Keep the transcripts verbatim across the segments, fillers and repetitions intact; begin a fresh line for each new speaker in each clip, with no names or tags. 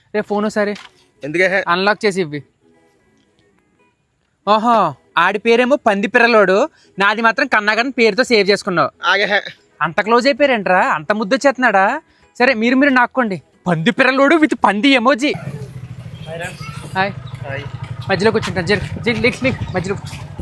రే phone ఒకసారి
ఎందుకే
unlock చేసి ఇవ్వి. ఓహో ఆడి పేరేమో పంది పిర్రలోడు, నాది మాత్రం కన్నాగన్ పేరుతో సేవ్ చేసుకున్నావు.
ఆగే
అంత క్లోజ్ అయిపోయారేంట్రా, అంత ముద్దు వచ్చేస్తున్నాడా? సరే మీరు మీరు నాక్కోండి. పంది పిర్రలోడు విత్ పంది ఎమోజీ. హాయ్ మధ్యలో కూర్చుంటాను. జరి జరి నెక్స్ట్ నెక్స్ట్ మధ్యలో.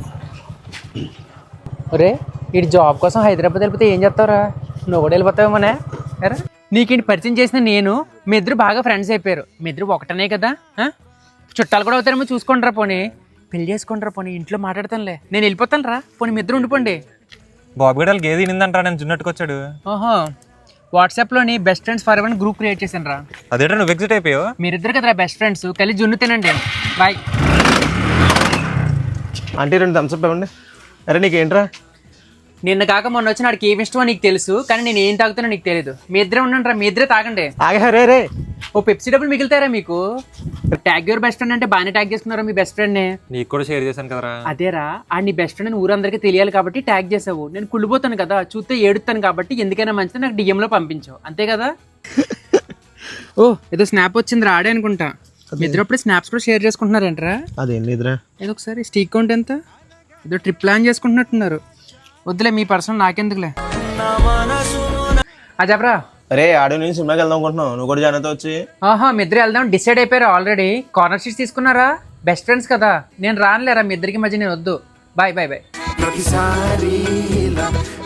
ఒరే వీడి జాబ్ కోసం హైదరాబాద్ వెళ్ళిపోతే ఏం చేస్తావురా? నువ్వు కూడా వెళ్ళిపోతావేమోనే. ఎరా నీకేంటి పరిచయం చేసిన నేను, మీ ఇద్దరు బాగా ఫ్రెండ్స్ అయిపోయారు. మీ ఇద్దరు ఒకటనే కదా, చుట్టాలు కూడా అవుతారేమో చూసుకుంటారా. పోనీ పెళ్లి చేసుకుంటారా, పోనీ ఇంట్లో మాట్లాడతానులే. నేను వెళ్ళిపోతాను రా, పోనీ మీ ఇద్దరు ఉండిపోండి.
బాబు గడాలు గేది తినిందంటారా, నేను చున్నట్టుకు వచ్చాడు.
ఓహో వాట్సాప్లోని best friends for ever group create చేశాను రా.
అదేటా నువ్వు ఎగ్జిట్ అయిపోయావు?
మీరిద్దరు కదరా బెస్ట్ ఫ్రెండ్స్, కలిసి జున్ను తినండి. బాయ్.
అంటే రెండు థమ్స్అప్ ఇవ్వండి. అరే నీకేంట్రా?
నిన్న కాక మొన్న వచ్చి నాడికి ఏమి ఇష్టమో నీకు తెలుసు, కానీ నేను ఏం తాగుతానో నీకు తెలియదు. మీ ఇద్దరే ఉండండి రా, మీ ఇద్దరే తాగండి.
ఆగే రే రే
ఓ పెప్సీ డబ్బులు మిగులుతారా మీకు? ట్యాగ్ యువర్ బెస్ట్ ఫ్రెండ్ అంటే బాగానే ట్యాగ్ చేసుకున్నారా మీ బెస్ట్ ఫ్రెండ్ని?
నీకు కూడా షేర్ చేశాను కదరా.
అదేరా ఆ నీ బెస్ట్ ఫ్రెండ్ ఊరందరికీ తెలియాలి కాబట్టి ట్యాగ్ చేసావు. నేను కుళ్ళిపోతాను కదా, చూస్తే ఏడుతాను కాబట్టి ఎందుకైనా మంచిది నాకు డిఎంలో పంపించావు, అంతే కదా. ఓ ఏదో స్నాప్ వచ్చింది రాడే అనుకుంటా. మీ ఇద్దరు అప్పుడు స్నాప్స్ కూడా షేర్ చేసుకుంటున్నారేంట్రా?
అదేం లేదురా.
ఏదో ఒకసారి స్టీక్ కౌంట్ ఎంత? ఏదో ట్రిప్ ప్లాన్ చేసుకుంటున్నట్టున్నారు. వద్దులే మీ పర్సనల్ నాకెందుకులే. అజాబ్రా
అరే ఆడియో నేను సినిమాకి వెళ్దాం అనుకుంటున్నావు, నువ్వు కూడా జాయిన్ అవుతా వచ్చి.
ఆహా మీ ఇద్దరు వెళ్దాం డిసైడ్ అయిపోయారు ఆల్రెడీ. కార్నర్ సీట్స్ తీసుకున్నారా? బెస్ట్ ఫ్రెండ్స్ కదా, నేను రానులేరా మీ ఇద్దరికి మధ్య, నేను వద్దు. Bye bye bye.